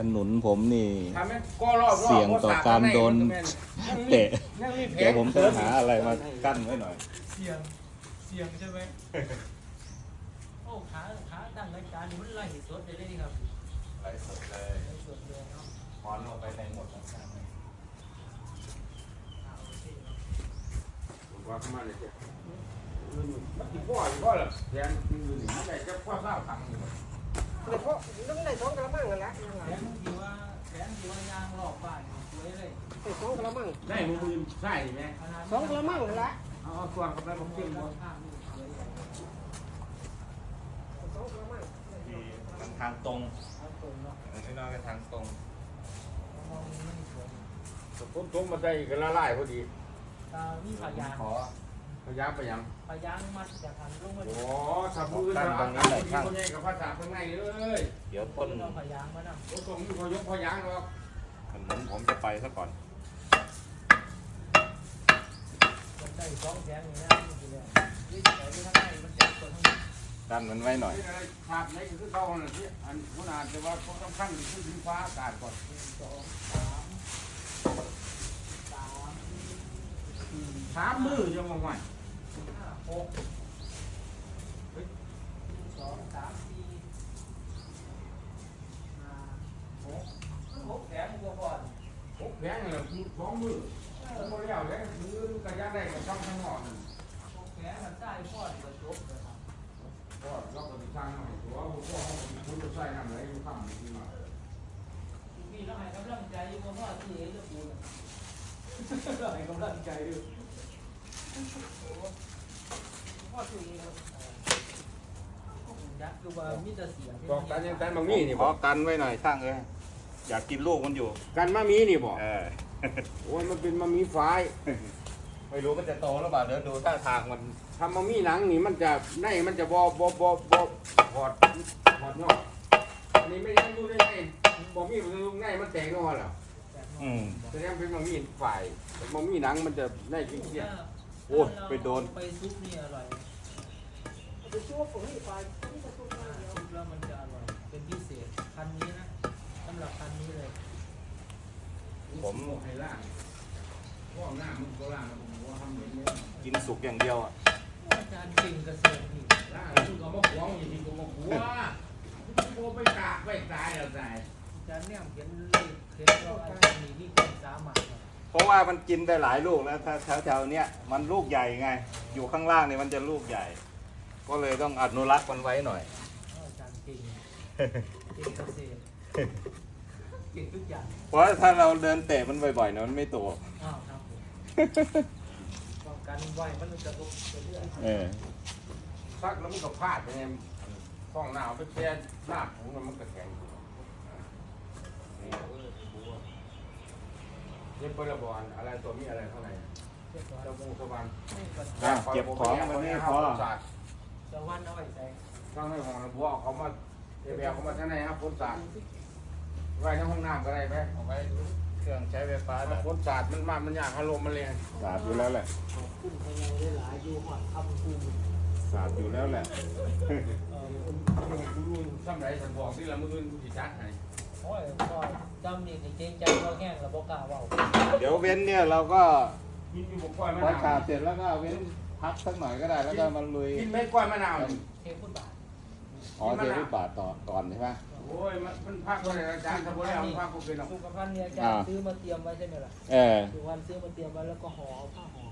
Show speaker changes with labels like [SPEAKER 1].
[SPEAKER 1] หนุนผมนี่
[SPEAKER 2] ทำให้ก็รอบ
[SPEAKER 1] เสี่ยงต่อการโดนเตะ
[SPEAKER 2] ยังมีแผล
[SPEAKER 1] เดี๋ยวผมต้องหาอะไรมากั้นไว้หน่อย
[SPEAKER 3] เสียงใช่ไหมโอ้ขาตั้งรายการนี่มันไล่สดเลยครับ
[SPEAKER 1] ไลฟ์สดเลย
[SPEAKER 3] ไล่สดเลยเนาะ
[SPEAKER 1] ถอนออกไปในหมดแล้ว
[SPEAKER 3] โอเคเนาะ
[SPEAKER 2] ว่าเข้ามาเลยเจ้ามันที่พ่อเหรอแทนคือหนึ่งอะไรจะพ่อเศร้าตังค์อยู่
[SPEAKER 4] แต่เพราะต้องได้สองกระมังกันละ
[SPEAKER 3] แผนที่ว่ายางรอบบ้านสวยเลย
[SPEAKER 4] ได้สองกระมัง
[SPEAKER 2] ได้มือใช่ไหม
[SPEAKER 4] สองกระมังกันละ
[SPEAKER 2] เอาส่วนเข้าไปผมเก็บหมด
[SPEAKER 3] ข้างนี่สวยเลย
[SPEAKER 4] สองกระมัง
[SPEAKER 1] ที่มันทางตรง
[SPEAKER 3] เอาตรงเนาะ
[SPEAKER 1] ไม่น้อยก็ทางตรง
[SPEAKER 3] มองมันสวย
[SPEAKER 2] ผมตรงมาได้กันละลายพอดี
[SPEAKER 3] มีพยาง
[SPEAKER 1] ขอ
[SPEAKER 2] พยายามไปยัง
[SPEAKER 3] พยางมัดจากทางลงมา
[SPEAKER 2] โอ้สับมือสับคนใหญ่กับภาษาข้างในเลย
[SPEAKER 1] เดี๋ยวต้น
[SPEAKER 3] เอาพยางมานะ
[SPEAKER 2] โอ้ตรงนี้พอยกพอยางหรอก
[SPEAKER 1] ถนนผมจะไปซะก่อน
[SPEAKER 3] มันได้สองแผงนี่นะนี่เลยนี่แต่ที่ข้างในมันจะคนข้างใน
[SPEAKER 1] กั้นมันไว้หน่อย
[SPEAKER 2] ภาพไหนคือเขาเนี่ยที่อันคุณอาจจะว่าเขาต้องขั้นขึ้นถึงฟ้าอากาศก่อน
[SPEAKER 3] สองสามสี่
[SPEAKER 2] 3 มือยังมองไม่
[SPEAKER 3] ห้าหกสองสามสี่ห้าหกแผงกว่าก่อน
[SPEAKER 2] 6 แผงเลย2 มือพอแล้วเลยมือกระยาได้กับช่องข้างนอกนั่น
[SPEAKER 3] หกแผงมันได้พอดกระจกเลยครับ
[SPEAKER 2] ก็เราก็ติดตั้งหน่อยตัวพ่อเขาคุณจะใส่น้ำไหลอยู่ข้างนี้มา
[SPEAKER 3] พี่เราให้กำลังใจอยู่เพราะว่าที่เอ๋จะปูนเราให้กำลังใจอยู่พ่อที่เอ๋ยักษ์คือว่ามีแต่เสียง
[SPEAKER 2] บอกกันยังกันบางมีนี่
[SPEAKER 1] ข
[SPEAKER 2] บ
[SPEAKER 1] อ
[SPEAKER 2] อก
[SPEAKER 1] กันไว้หน่อยช่างเอ้ยอยากกินลูกมันอยู่
[SPEAKER 2] กันมามีนี่บอก
[SPEAKER 1] เออ
[SPEAKER 2] โอ้ยมันเป็นมามีไฟ
[SPEAKER 1] ไม่รู้มันจะโตหรือเปล่าเดี๋ยวดูท่าทางมัน
[SPEAKER 2] ทำมามีหนังนี่มันจะในมันจะบถอดยอดอันนี้ไม่ได้ดูได้ไงบอกมีมันในมันแตกนอนหรอ
[SPEAKER 1] อืม
[SPEAKER 2] แสดงเป็นมามีฝ่ายมามีหนังมันจะในจริง
[SPEAKER 1] โอ้ยไปโดน
[SPEAKER 3] ไปซุปนี่อร่อย
[SPEAKER 4] ไปช่วยผมนี่ไปนี่จะช่วยมาเดียว
[SPEAKER 3] ซุปแล้วมันจะอร่อยเป็นพิเศษพันนี้นะสำหรับพันนี้เลย
[SPEAKER 2] ๆผมให้ล่างพ่อหน้ามึงก็ล่างมึงว่าทำเหมือนนี้
[SPEAKER 1] กินสุกอย่างเดียวอ่ะ
[SPEAKER 3] อาจารย์เก่งเกษตรนี่
[SPEAKER 2] ล่างมึงก็มาขวางอย่างนี้ก็มาขวางโอ้ไปกากไปตายแล้วตาย
[SPEAKER 3] อาจารย์เนี่ยเขียนเลขเขียนเราอาจารย์มีความสามารถ
[SPEAKER 1] เพราะว่ามันกินได้หลายลูกแล้วถ้าแถวๆเนี้ยมันลูกใหญ่ไง อยู่ข้างล่างเนี่ยมันจะลูกใหญ่ ก็เลยต้องอนุรักษ์มันไว้หน่อย
[SPEAKER 3] อาจารย์เก่งเก่งเกษตรเก่งทุกอย่าง
[SPEAKER 1] เพราะถ้าเราเดินเตะมันบ่อยๆเนี่ยมันไม่โต
[SPEAKER 3] อ้าวครับผมป้องกันไว้มันจะลุกไปเรื่อย
[SPEAKER 1] เออ
[SPEAKER 2] ซักแล้วมันก็พลาดไปไงห้องหนาวไปแช่ลาบของมันก็แข็งนี่เปิดบอลอะไรตัวมีอะไรข้างใน
[SPEAKER 3] เรียบร้อย
[SPEAKER 2] เจ้ามูสวรรค์
[SPEAKER 1] เก็บของมันไม่พอ
[SPEAKER 3] จะวันเอาไว้ใส่
[SPEAKER 2] ข้างในห้องบัวเขามาเอเบียเขามาข้างในครับพ้นศาสตร์ไว้ในห้องน้ำก็ได้ไหม
[SPEAKER 1] เอาไว้เครื่องใช้ไฟฟ้าได้
[SPEAKER 2] พ้นศาสตร์มันยากอารมณ์มันแรง
[SPEAKER 1] สาดอยู่แล้วแหละ
[SPEAKER 3] ขึ้นไปยังได้หลายอยู่หอดคำคู
[SPEAKER 1] สาดอยู่แล้วแหละ
[SPEAKER 2] กูรู้ซ้ำไรฉันบอกที่ละมืออื่นกูจะจัดให้
[SPEAKER 3] โอ้ยก็จำนี่เกรงใจเราแห้งเราบอกกล้าเว่า
[SPEAKER 1] เดี๋ยวเว้นเนี่ยเราก็
[SPEAKER 2] กินอยู่บกล้วยมะ
[SPEAKER 1] พอ
[SPEAKER 2] นา
[SPEAKER 1] ฉาว บเสร็จแล้วก็เว้นพักสักหน่อยก็ได้แล้วก็มาลุย
[SPEAKER 2] กินเม็ดกล้วยมะนาว
[SPEAKER 3] เทพุทธบาท
[SPEAKER 1] อ๋อเทวิบาทต่อก่อนใช่ไหม
[SPEAKER 2] โอ้ยมันพักก็เลยอาจารย์ทำบุญแล้วมันพักก็เป็นหรอก
[SPEAKER 3] สุขภัณฑ์เนี่ยอาจารย์ซื้อมาเตรียมไว้ใช่ไหมล่ะ
[SPEAKER 1] เออ
[SPEAKER 3] สุขภัณฑ์ซื้อมาเตรียมไว้แล้วก็ห่อผ้าห่อ